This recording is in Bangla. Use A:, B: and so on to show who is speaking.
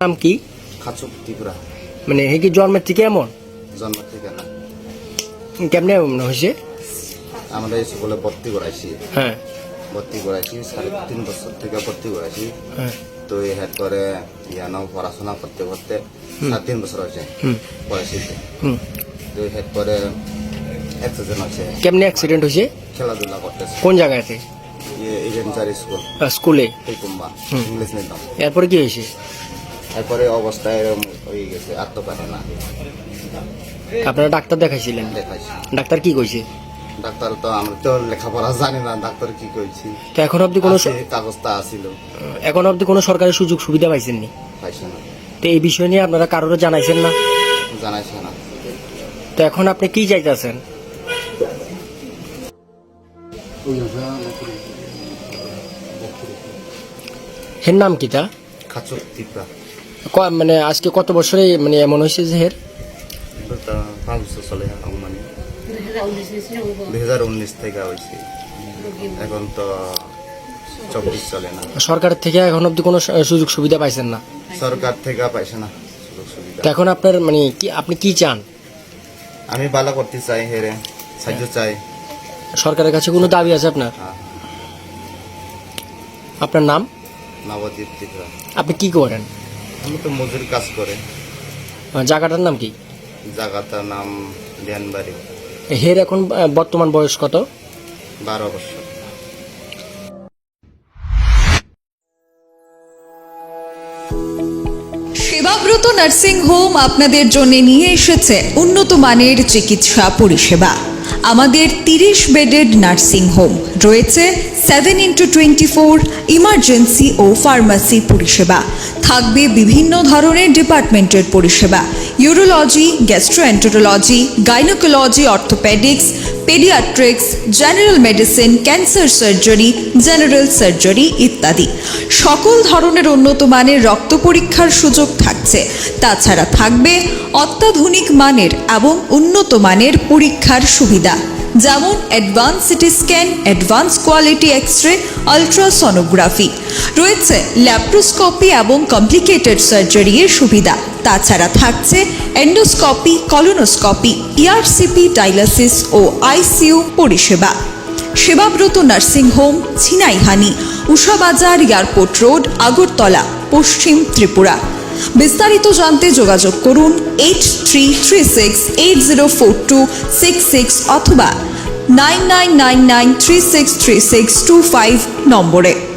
A: নাম কি?
B: খাচুক ত্রিপুরা।
A: মানে হে কি জন্মের থেকে এমন?
B: জন্ম থেকে না।
A: কেমনে এমন হয়েছে?
B: আমরা এই স্কুলে ভর্তি করাইছি।
A: হ্যাঁ
B: ভর্তি করাইছি 3.5 বছর থেকে ভর্তি করাইছি।
A: হ্যাঁ
B: তো এর পরে ইয়ানো পড়াশোনা করতে করতে 3 বছর হয়েছে পড়াইছি। তো এর পরে অ্যাক্সিডেন্ট হয়েছে।
A: কেমনে অ্যাক্সিডেন্ট হয়েছে?
B: খেলাধুলা করতেছে।
A: কোন জায়গাতে?
B: ইভেন্টারি স্কুল
A: স্কুলে।
B: কুম্বা ইংলিশ মিডিয়াম।
A: এরপরে কি হয়েছে?
B: এরপরে অবস্থা এরকম হয়ে গেছে, আর তো পারে না।
A: আপনারা ডাক্তার দেখাইছিলেন?
B: দেখাইছি।
A: ডাক্তার কি কইছে?
B: ডাক্তার তো আমরা তো লেখাপড়া জানি না, ডাক্তার কি কইছি।
A: তো এখন অবধি কোনো
B: কাগজটা আসিল,
A: এখন অবধি কোনো সরকারি সুযোগ সুবিধা পাইছেননি?
B: পাইছে না।
A: তো এই বিষয় নিয়ে আপনারা কারোর জানাইছেন না?
B: জানাইছে না।
A: তো এখন আপনি কি চাইতেছেন? হের নাম কি তা?
B: খাচুক ত্রিপুরা।
A: মানে আজকে কত বছরে মানে এমন হয়েছে যে হের?
B: 5 বছর চলে মানে 2019 থেকে হয়েছে, এখন তো 24 চলে না।
A: সরকার থেকে এখন অবধি কোনো সুযোগ সুবিধা পাইছেন না?
B: সরকার থেকে পাইছে না সুযোগ সুবিধা।
A: তো এখন আপনার মানে কি, আপনি কি চান?
B: আমি ভালো করতে চাই, হেরে সাহায্য চাই।
A: সরকারের কাছে কোনো দাবি আছে আপনার?
B: হ্যাঁ।
A: আপনার নাম?
B: নবদ্বীপ ত্রিপুরা।
A: আপনি কি করেন?
B: আমি তো মজুর কাজ করে।
A: জায়গাটার নাম কি?
B: জায়গাটার নাম ধ্যানবাড়ি।
A: হের এখন বর্তমান বয়স কত?
B: 12 বছর।
C: সেবাব্রত নার্সিং হোম আপনাদের জন্য নিয়ে এসেছে উন্নত মানের চিকিৎসা পরিষেবা। আমাদের 30 বেডেড নার্সিং হোম রয়েছে 7x24 ইমার্জেন্সি ও ফার্মাসি পরিষেবা। থাকবে বিভিন্ন ধরনের ডিপার্টমেন্টের পরিষেবা: urology, gastroenterology, gynaecology, orthopaedics, paediatrics, general medicine, cancer surgery, general surgery ইত্যাদি। সকল ধরনের উন্নত মানের রক্ত পরীক্ষার সুযোগ থাকছে। তাছাড়া থাকবে অত্যাধুনিক মানের এবং উন্নত মানের পরীক্ষার সুবিধা, যেমন advance CT scan, advance quality X-ray, ultrasonography. রয়েছে ল্যাপ্রোস্কোপি এবং কমপ্লিকেটেড সার্জারি এর সুবিধা। তাছাড়া থাকছে এন্ডোস্কোপি, কলোনোস্কোপি, ইআরসিপি, ডায়ালিসিস ও আইসিইউ পরিষেবা। Sebabrata nursing home, Chhinaihani, Ushabazar, airport road, Agartala, Paschim Tripura. বিস্তারিত জানতে যোগাযোগ করুন 8336804266 অথবা 9999363625 নম্বরে।